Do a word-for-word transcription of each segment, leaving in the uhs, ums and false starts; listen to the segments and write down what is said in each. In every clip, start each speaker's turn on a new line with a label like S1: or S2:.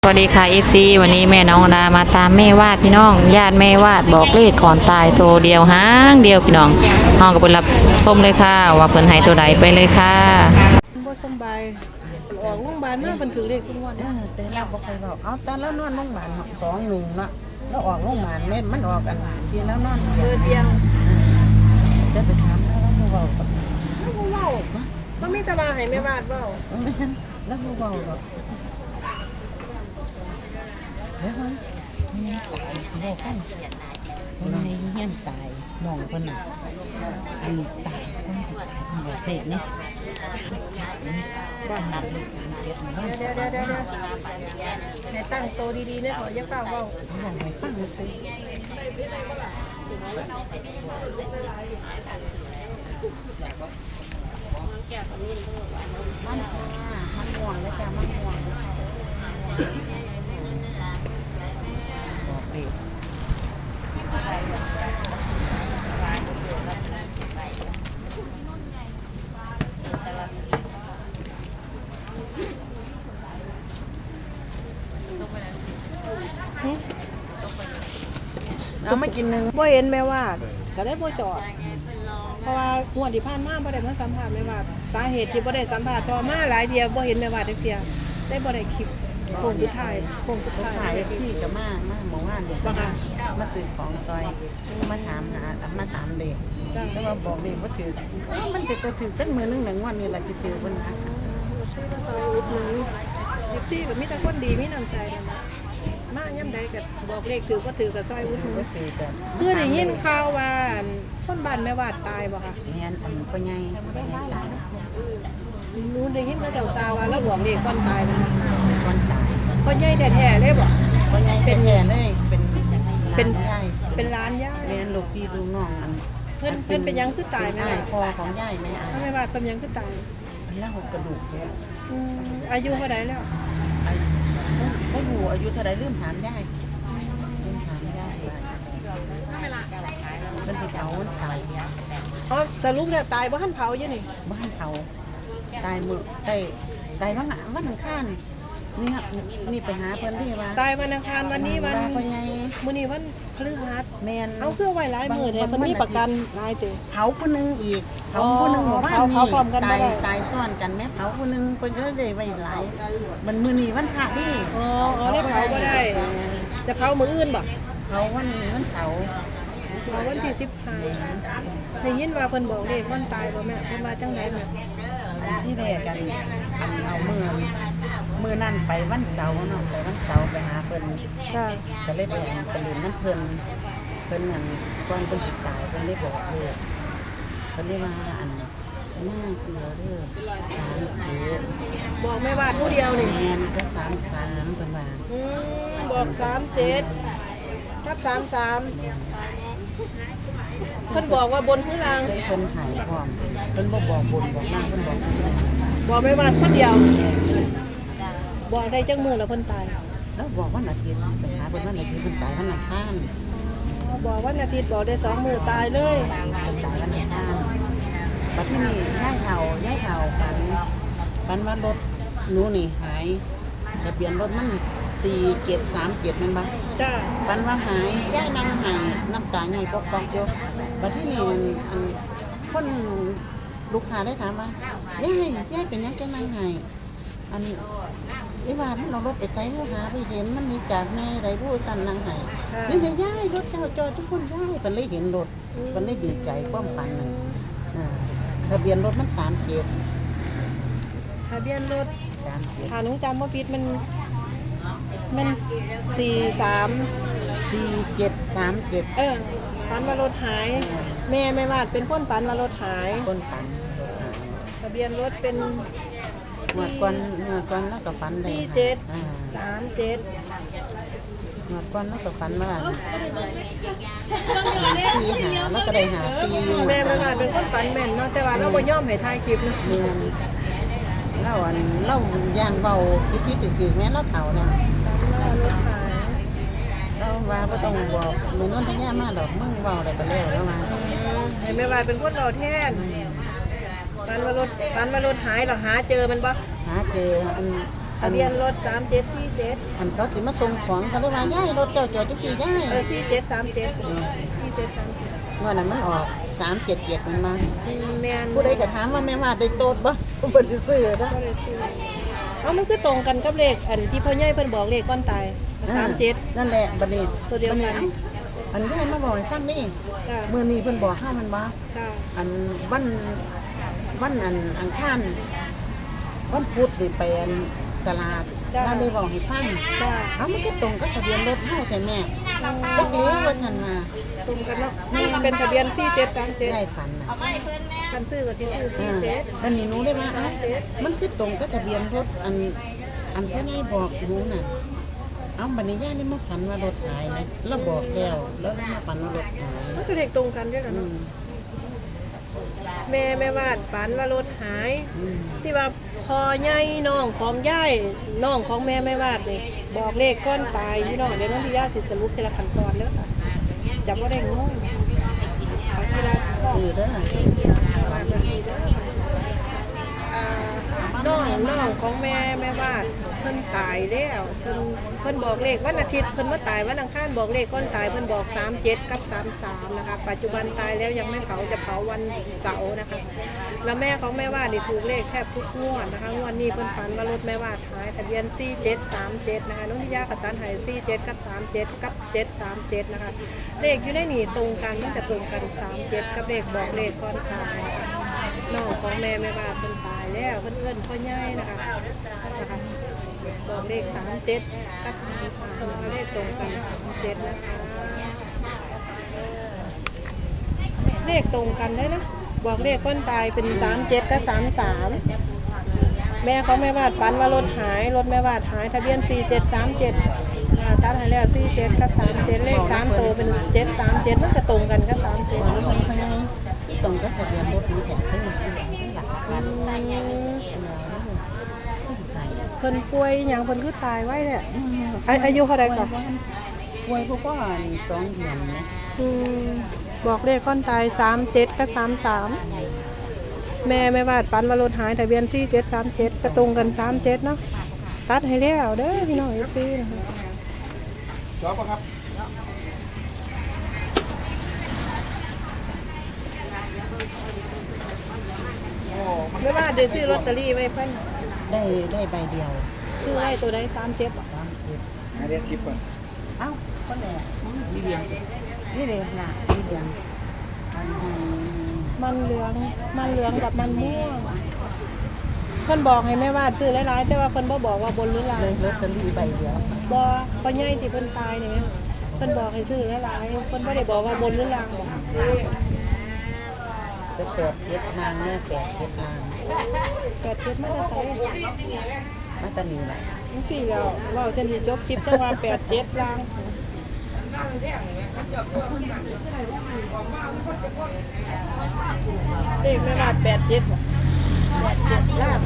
S1: สวัสดีค่ะ เอฟ ซี วันนี้แม่น้องดามาตามแม่วาดพี่น้องญาติแม่วาดบอกเลขก่อนตายตัวเดียวหางเดียวพี่น้องห้องกับเพิ่นรับส้มเลยค่ะว่าเพิ่นให้ตัวใดไปเลยค่ะ
S2: บ่สำบายออกโรงพยาบาลมาเพิ่นถือเลขซุมวัน
S3: เออแต่เราบ่เคยบอกเอาตอนแล้วนอนโรงพยาบาลสองหนึ่งเนาะแล้วออกโรงพยาบาลแม่มันออกกันทีแล้วนอน
S2: เดือนเดียว
S3: จะไปถามแล้วแล้วบ่เว้ากับ
S2: แล้วบ่เว้าบ่มีแต่ว่าให้แม่วาดเว้า
S3: แม่นแล้วบ่เว้าหรอกเดี๋ยวมันมีตายบ่ฟังคนในเฮียนตายมองเพิ่นน่ะอันตายคนที่ตายเพิ่นบอกเลขนี่สามเจ็ดนี่บ้านเลขสามเจ็ดนี่บ้าน
S2: เดี๋ยวเดี๋ยวเดี๋ยวเดี๋ยวให้ตั้งโตดีๆนะขออย่าเฝ้าเว้า
S3: บอกให้ฟังซิมันมันห่วงเลยจ้ะมันห่วงบอกเลข เอามากินหนึ่ง
S2: บ่เห็นแม่วาดก็ได้บ่จอด เพราะว่างวดที่ผ่านมาบ่ได้มาสัมภาษณ์แม่วาดสาเหตุที่บ่ได้สัมภาษณ์เพราะมาหลายเที่ยบ่เห็นแม่วาดจักเที่ยได้บ่ได้คลิปโค้งสุดท้ายโค้งสุด
S3: เขา
S2: ท้าย
S3: ขายเอฟซีกับมามาหมู่บ้านเด็ก
S2: บ่ค่ะ
S3: มาซื้อของซอยมาถามหามาถามเด็ก
S2: จ้ะ
S3: แล้วมาบอกเด็กว่าถือเอ้ามันจะตัวถือตั้งมือนึงหนึ่งวันนี้แหละจะถือวันนะ
S2: ซื้อมาซอยอุดหนุนเอฟซีก็มีแต่คนดีมีน้ำใจนั่นล่ะมาย่ำใดก็บอกเลขถือบ่ถือก็ซอยอุดหนุน
S3: ก็ถือแต่
S2: คือได้ยินข่าวว่าคนบ้านแม่วาดตายบ่คะ
S3: เนียนอันพ่อใหญ่พ่อใหญ่ตาย
S2: หนูได้ยินเขาเจ้าซาว่าแล้วบอกเลขก่อนตายมันบ่
S3: วันตาย
S2: พ่อใหญ่แท้ๆเลยบ่
S3: พ่อใหญ่เป็นแย่เลยเป็น
S2: เป็น
S3: ใหญ่
S2: เป็นร้านย่า
S3: เรียนลูกพี่ลูกน้องอัน
S2: เพิ่นเพิ่นเป็นหยังคือตายแม่
S3: ใช่
S2: วาด
S3: พ่อของยายแม่อาย
S2: แม่วาดเพิ่นหยังคือตาย
S3: แล้วหกกระดูกเนี่ย
S2: อืมอายุเท่าใดแล้ว
S3: อายุเขาอยู่อายุเท่าไรลืมถามยายลืมถามยายว่าเป็นที่เขาวันเสาร์
S2: อ๋อสรุปแล้วตายบ่ทันเผาอยู่นี่
S3: บ้านเขาตายมือตายตายว่างอ่ะวันอังคารนี่ครับนี่ไปหาเพิ่นที่ว่า
S2: ตายวันอังคารวันนี้วัน
S3: ว่าพ่อใหญ่
S2: มื้อนี้วันพฤหัส
S3: แมน
S2: เอาคือไว้หลายมื้อแท้เพิ่นมีประกันหลายเต
S3: เผาผู้หนึงอีกเผาผู้หนึงหมู่บ้าน
S2: เผา
S3: นี่
S2: เผาพร้อมกันบ่
S3: ตาย
S2: ได้
S3: ตายซ้อนกันแม่เผาผู้หนึงเพิ่นก็เลยไว้หลายมันมื้อนี้วันพระนี่
S2: อ๋ออ๋อได้เผาบ่ได้ จะเผามื้ออื่นบ่
S3: เผาวันวันเสาร์
S2: เผาวันที่สิบห้าได้ยินว่าเพิ่นบอกเลขวันตายบ่แม่เพิ่นมาจังไดแม่
S3: ที่แรกกันอันเอามือมือนั่นไปวันเสาร์เนาะไปวันเสาร์ไปหาเพิ่น
S2: จ้า
S3: ก็เลยไปอันไปเรียนน้ำเพิ่นเพิ่นนั่นก่อนเพิ่นสิตายเพิ่นได้บอกเลยเพิ่นได้ว่าอันหน้าเสือเด้อสามเจ็ด
S2: บอกแม่วาดผู้เดียวนี่
S3: แมนก็สามสามเพิ่นว่า
S2: อืมบอกสามเจ็ดกับสามสาม
S3: แม่น
S2: เพิ่นบอกว่าบนข้างล่าง
S3: เพิ่นเพิ่นหายพร้อมเพิ่นบ่บอกบุญบอกนั่งเพิ่นบอกจังได๋
S2: บอกแม่วาดคนเดียว
S3: แม่น
S2: บอกได้จังมือแล้วเพิ่นตาย
S3: แล้วบอกวันอาทิตย์ไปหาเพิ่นวันอาทิตย์เพิ่นตายวันอังคาร
S2: อ๋อบอกวันอาทิตย์บอกได้สองมือตายเลย
S3: เพิ่นตายวันอังคารบัดที่นี่ยายเฒ่ายายเฒ่าฝันฝันว่ารถหนูนี่หายทะเบียนรถมันสี่เจ็ดสามเจ็ดนั่นบ่
S2: จ้า
S3: ฝันว่าหายย่ายนำหายน้ำตาใหญ่ปอกปอกอยู่บัดที่นี่อันอันคนลูกค้าได้ถามว่าย่ายย่ายเป็นหยังแกนั่งหายอันอีว่ามันเอารถไปใส่ผู้หาไปเห็นมันมีจากแม่ไรผู้สั่นนั่งหายนี่ไงย่ายรถเจ้าจอดทุกคนย่ายมันเลยเห็นรถมันเลยดีใจความฝันนั่นอ่าทะเบียนรถมันสามเจ็ด
S2: ทะเบียนรถ
S3: สามเจ็ด
S2: ถ้าหนูจำบ่ผิดมันมันสี่สาม
S3: สี่เจ็ดสามเจ็ด
S2: เออฝันว่ารถหาย แม่แม่วาดเป็นคนฝันว่ารถหาย
S3: คนฝัน
S2: ทะเบียนรถเป็น
S3: เมื่อก่อนเมื่อก่อนแล้วก็ฝันได้
S2: สี่เจ็ด
S3: อ่า
S2: สามเจ็ด
S3: เมื่อก่อนแล้วก็ฝันว่าสี่หาแล้วก็ได้หาสี่อยู่
S2: แม่แม่วาดเป็นคนฝันแม่นเนาะแต่ว่าเราบ่ยอมให้ถ่ายคลิปเนาะ
S3: เนียนเล่าอันเล่าย่านเบาพิพิถือๆแม่เล่าเถ่าเนี่ย
S2: ฝันว่ารถหาย
S3: เราว่าบ่ต้องบอกเหมือนนั้นทะยามาดอกมึงเบาอะไรก็แล้วแล้วมา
S2: ให้แม่วาดเป็นคนเราแทนฝันว่ารถฝันว่ารถหายเหรอหาเจอมันบ่
S3: หาเจออัน
S2: ทะเบียนรถสามเจ็ดสี่เจ็ด
S3: อันเขาสิมาส่งของเขาเลยว่าย่ายรถเจ้าจอดทุกทีย่าย
S2: เออสี่เจ็ดสามเจ็ดสี่เจ็ดสามเจ็ด
S3: เมื่อนั้นมันออกสามเจ็ดเจ็ดมันมา
S2: แม่น
S3: ผู้ใดก็ถามว่าแม่มาได้โตดบ่บ่ได้ซื้อนะ
S2: บ่ได้ซื้อเอามันคือตรงกันกับเลขอันที่พ่อใหญ่เพิ่นบอกเลขก้อนตายสามเจ็ด
S3: นั่นแหละบัดนี้
S2: ตัวเดียวกัน
S3: บัดอันย่ายมาบอกให้ฟังนี่
S2: จ้า
S3: มื้อนี้เพิ่นบอกข้ามันบ่
S2: จ้า
S3: อันวันวันอันอังคารวันพุธนี่ไปอันตลาดแล้วได้บอกให้ฟัง
S2: จ้า
S3: เอามันก็ตรงกับทะเบียนรถเฮาแต่แม่จักเลี้ยวว่าซั่นว่า
S2: ตรงกันเนาะนี่เป็นทะเบียนสี่เจ็ดสามเจ็ด
S3: ย่ายฝันน่ะ
S2: คันซื้อก็ที่ซื้อสี่
S3: อ่า
S2: เจ็ด
S3: แล้วนี่หนูได้ว่าเอ้ามันคือตรงกับทะเบียนรถอันอันพ่อใหญ่บอกหนูน่ะเอาบัดนี้ย่าเลยมาฝันว่ารถหายนะแล้วบอกแล้วแล้วมาฝันว่ารถหาย
S2: มันคือเลขตรงกันด้วยกัน
S3: อื
S2: เนาะ
S3: ม
S2: แม่แม่วาดฝันว่ารถหาย
S3: อืม
S2: ที่ว่าพอใหญ่น้องของย่ายน้องของแม่แม่วาดนี่บอกเลขก้อนตายพี่น้องเดี๋ยวน้องที่ย่าสิสรุปทีละขั้นตอนเด้อค่ะจับว่าได้งงเอาทีละข้อ
S3: ซื้อเด้อ
S2: อ่าน้องน้องของแม่แม่วาดเพิ่นตายแล้วเพิ่นเพิ่นบอกเลขวันอาทิตย์เพิ่นมาตายวันอังคารบอกเลขก้อนตายเพิ่นบอกสามเจ็ดกับสามสามนะคะปัจจุบันตายแล้วยังไม่เผาจะเผาวันเสาร์นะคะแล้วแม่ของแม่วาดนี่ถูกเลขแทบทุกงวดนะคะงวดนี้เพิ่นฝันว่ารถแม่วาดหายทะเบียนสี่เจ็ดสามเจ็ดนะคะน้องทิยากับตันหายสี่เจ็ดกับสามเจ็ดกับเจ็ดสามเจ็ดนะคะเลขอยู่ในนี่ตรงกันมันจะตรงกันสามเจ็ดกับเลขบอกเลขก้อนตายนะคะน้องของแม่แม่วาดเพิ่นตายแล้วเพิ่นเอิ้นพ่อใหญ่นะคะนะคะบอกเลขสามเจ็ดกับสามสามเลขตรงกันสามเจ็ดนะคะเลขตรงกันได้นะบอกเลขก้นตายเป็นสามเจ็ดกับสามสามแม่เขาแม่วาดฝันว่ารถหายรถแม่วาดหายทะเบียนสี่เจ็ดสามเจ็ดตัดให้แล้วสี่เจ็ดกับสามเจ็ดเลขสามตัวเป็นเจ็ดสามเจ็ดมันก็ตรงกันกับสามเจ็ด
S3: แล้วมันพยายตรงกับทะเบียนรถนี่แต่เพิ่นซื้อหลักพัน
S2: เพิ่นป่วยอย่างเพิ่นคือตายไว้เนี่ยอาอายุเท่าไรก่อน
S3: ป่วยพวกก็สองเดือนนะ
S2: อืมบอกเลขก้อนตายสามเจ็ดกับสามสามแม่แม่วาดฝันว่ารถหายทะเบียนสี่เจ็ดสามเจ็ดก็ตรงกันสามเจ็ดเนาะตัดให้แล้วเด้อพี่น้องเอฟซีนะคะ
S4: ชอบปะครับ
S2: ไม่ว่าได้ซื้อลอตเตอรี่ไว้เพิ่น
S3: ได้ได้ใบเดียว
S2: ซื้อไว้ตัวใดสามเจ็ด
S4: ให้เรียนชิปก่อน
S3: เอ้าคนแหละนี่เดียวนี่เดียวนะนี่เดียวอันนี้
S2: มันเหลืองมันเหลืองกับมันม่วงเพิ่นบอกให้แม่วาดซื้อหลายๆแต่ว่าเพิ่นบ่บอกว่าบนหรือล่าง
S3: เลยลอตเตอรี่ใบเดียว
S2: บ่พ่อใหญ่ที่เพิ่นตายนี่เพิ่นบอกให้ซื้อหลายๆเพิ่นบ่ได้บอกว่าบนหรือล่างบอก
S3: จะแปดเจ็ดนางเนี่ยแปดเจ็ดนาง
S2: แปดเจ็ดมาจะใส่
S3: มาตานีแหละ
S2: จังซี่แล้วเว้าจังสิจบคลิปจังว่าแปดเจ็ดล่างเลขแม่วาดแปดเจ็ดบ่แปดเจ็ดล่าง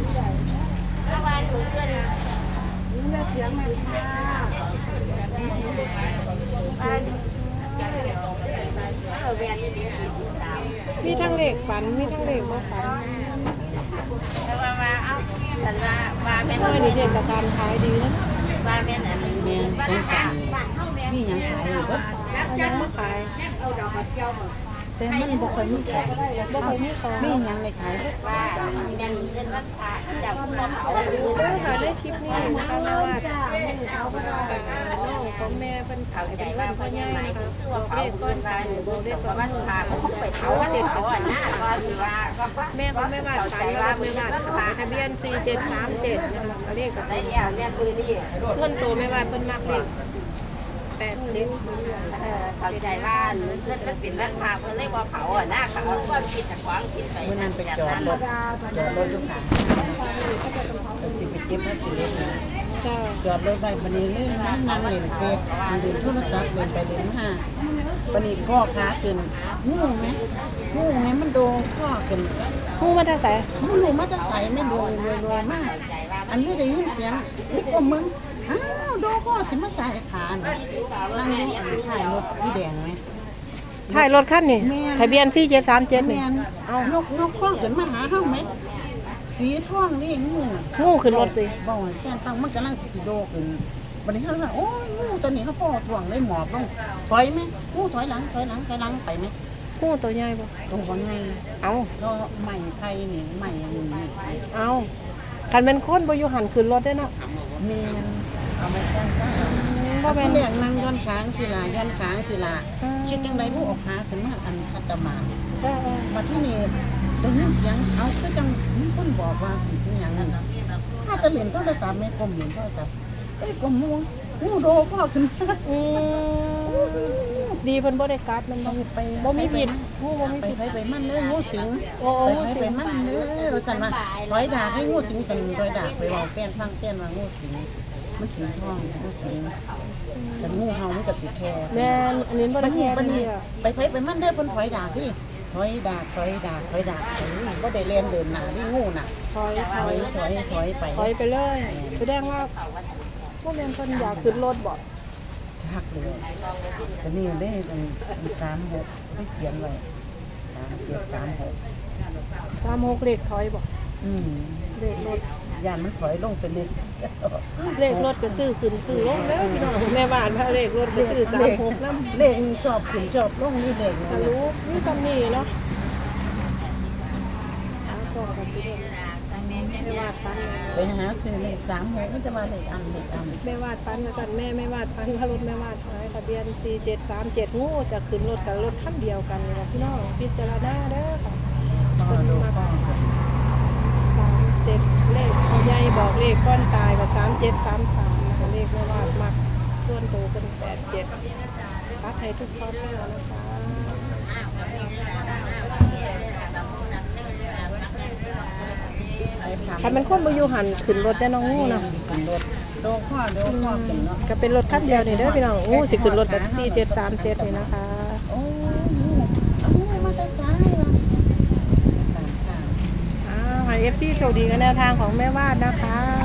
S2: มีทั้งเลขฝันมีทั้งเลขบ่ฝัน
S5: ว่าว่าเอ้าฉันว่าว่าแม่น
S2: เมื่อนี้เทศกาลขายดีนะ
S5: ว่าแม่นอันนี้
S3: แม่สงสารนี่ยังขายอยู่เบ่
S2: เอายังมาขาย
S3: แต่มันบ่ค่อยมีของ
S2: บ่เคยมีของ
S3: มีหยังในขายบ่
S5: ว่าแม่นเงินวันพระเจ้าคุณมาเผา
S2: เด้อค่ะได้คลิปนี้นะคะแม่ว่าน้องของแม่เพิ่น
S5: เขา
S2: ขาย
S5: ใจ
S2: เป็น
S5: ว่า
S2: วันพ่อ
S5: พ่อ
S2: ให
S5: ให
S2: ญ่
S5: ญ่
S2: นะคะ
S5: ซื้อ
S2: บอก
S5: ว่า
S2: เล
S5: เผา
S2: ข
S5: ก้
S2: ก้
S5: อ
S2: อน น
S5: ตา
S2: ตาย ยบอกได้สอง
S5: วัน
S2: หมื่น
S5: พระเขาไปเผาวันเขาอ่ะนะก็คือว่าก็
S2: แม่ของแม่ว่าขายว่าแม่ว่าขายทะเบียนสี่เจ็ดสามเจ็ดนะคะเลขกับ
S5: ได้แล้วเนี่ยคือนี่
S2: ส่วนตัวแม่ว่าเพิ่นมักเลขแปดเจ็ด
S5: เออเข้าใจว่าเงินมันเป็นวันพระเพิ่นเลยบ่เผาอ่ะนะเขาก็คิดจากของคิดไป
S3: มื้อนั้นไปจอดรถจอดรถอยู่ข้างก็สิไปเก็บมากินเลย
S2: จ้า
S3: จอดรถไว้บัดนี้เลยนั่งนั่งเล่นเฟซเล่นโทรศัพท์เล่นไปเล่นมาบัดนี้พ่อขาขึ้นงูไหมงูไหมมันโดนพ่อขึ้น
S2: ผู้มาได้ใส่
S3: มันรู้มาแต่ใส่ไม่รวยรวยรวยมาก อันนี้ได้ยินเสียงนี่ก็มึงอ้าวโดนพ่อสิมาใส่ขาน่ะนั่งอยู่อันท้ายรถพี่แดงไหม
S2: ถ่ายรถคันนี่
S3: แม่น
S2: ทะเบียนสี่เจ็ดสามเจ็ด
S3: แม
S2: นี่
S3: น
S2: เอ้า
S3: ยกยกข้อขึ้นมาหาเฮาไหมสีทองนี่งู
S2: งูขึ้นรถติ
S3: บ่ให้แฟนฟังมันกำลังสิสิโดขึ้นบัดนี้เฮาว่าโอ้ยงูตัวนี้เขาพ่อถ่วงได้หมอบลงถอยไหมงูถอยหลังถอยหลังถอยหลังไปไหม
S2: งูตัวใหญ่บ่
S3: ตรงบ่ไง
S2: เอา
S3: ก็ใหม่ไทยนี่ใหม่อันนี้นี่
S2: เอาคันเป็นคนบ่อยู่หันขึ้นรถได้เนาะ
S3: แม่นเอามาจ้างซะ
S2: บ่
S3: บ่
S2: แม่
S3: แม่
S2: น
S3: นเรียกนั่งย้อนค้างสิล่ะย้อนค้างสิล่ะ
S2: อ่า
S3: คิดจังไดผู้ออกขาขึ้นมาอันคัตมา
S2: เออ
S3: บัดที่นี่ได้ยินเสียงเอาคือจังมีคนบอกว่าเป็นหยังนั่นถ้าจะเล่นโทรศัพท์แม่กลมเล่นโทรศัพท์เอ้ยกลมงูงูโดพ่อขึ้นมา
S2: ๆอืมดีเพิ่นบ่ได้กัดมันบ่
S3: ไป
S2: บ่มีพิษ
S3: ไป
S2: งูบ่มี
S3: ไป
S2: พิษ
S3: ไปไปมันเลยงูสิง
S2: โอ้โอ้
S3: ไป
S2: งู
S3: ไป
S2: สิง
S3: ไปมันเลยว่าซั่นว่าร้อยดากให้งูสิงกันร้อยดากไปเว้าแฟนฟังแฟนว่างูสิงมันสิงทองงูสิงแต่งูเห่ามันก็สิแค่
S2: แม่นอันนี้บ่
S3: บั
S2: ได้
S3: ดนี้
S2: แพ้
S3: บัดนี้
S2: เลยอะ
S3: ไปไปไปมันเด้อเพิ่นถอยดากดิถอยดากถอยดากถอยดากเอ้ยบ่ได้เล่นเดินหน้านี่งูน่ะ
S2: ถอยถ
S3: ถ
S2: อ
S3: อย ยถอยถอยไป
S2: ถอยไปเลย แสดงว่าบ่แม่นเพิ่นอยากขึ้นรถบ่
S3: ชักเลยก็นี่ได้สามหกไม่เขียนไว้สามเจ็ดสามหก
S2: สามหกเลขถอยบ่
S3: อืม
S2: เลขรถ
S3: ยานมันถอยลงไปเลย
S2: เลขรถก็ซื้อขึ้นซื้อลงแล้วพี่น้องแม่บ้านพาเลขรถก็ซื้อสามหกนำ
S3: เลขนี่ชอบขึ้นชอบลงนี่เลข
S2: สรุปมีซ้ำนี่เนาะหาของก็สิได้แม่วาดฟัน
S3: ไปหาซื้อเลขสามหกนี่จะมาเลขอันเลขอัน
S2: แม่วาดฟันมาสั่นแม่แม่วาดฟันว่ารถแม่วาดหายทะเบียนสี่เจ็ดสามเจ็ดงูจะขึ้นรถกับรถคันเดียวกันนี่ล่ะพี่น้องพิจารณาเด้อค่ะ
S3: พ่อดูพ่อ
S2: สามเจ็ดเลขพ่อใหญ่บอกเลขก้อนตายกับสามเจ็ดสามสามนะคะเลขแม่วาดมักส่วนโตเป็นแปดเจ็ดตัดให้ทุกซอฟต์แวร์นะคะ คันมันคนบ่อยู่หันขึ้นรถได้น้องงูเนาะ
S3: ขึ้นรถโดพ่อโดพ่อขึ้นเนาะ
S2: ก็เป็นรถคันเดียวนี่เด้อพี่น้องงูสิขึ้นรถแบบสี่เจ็ดสามเจ็ดนี่นะคะ
S3: โอ้ยเอางูมาแต่ซ้ายว่ะตามทาง
S2: อ้าวให้ เอฟ ซี โชคดีกับแนวทางของแม่วาดนะคะ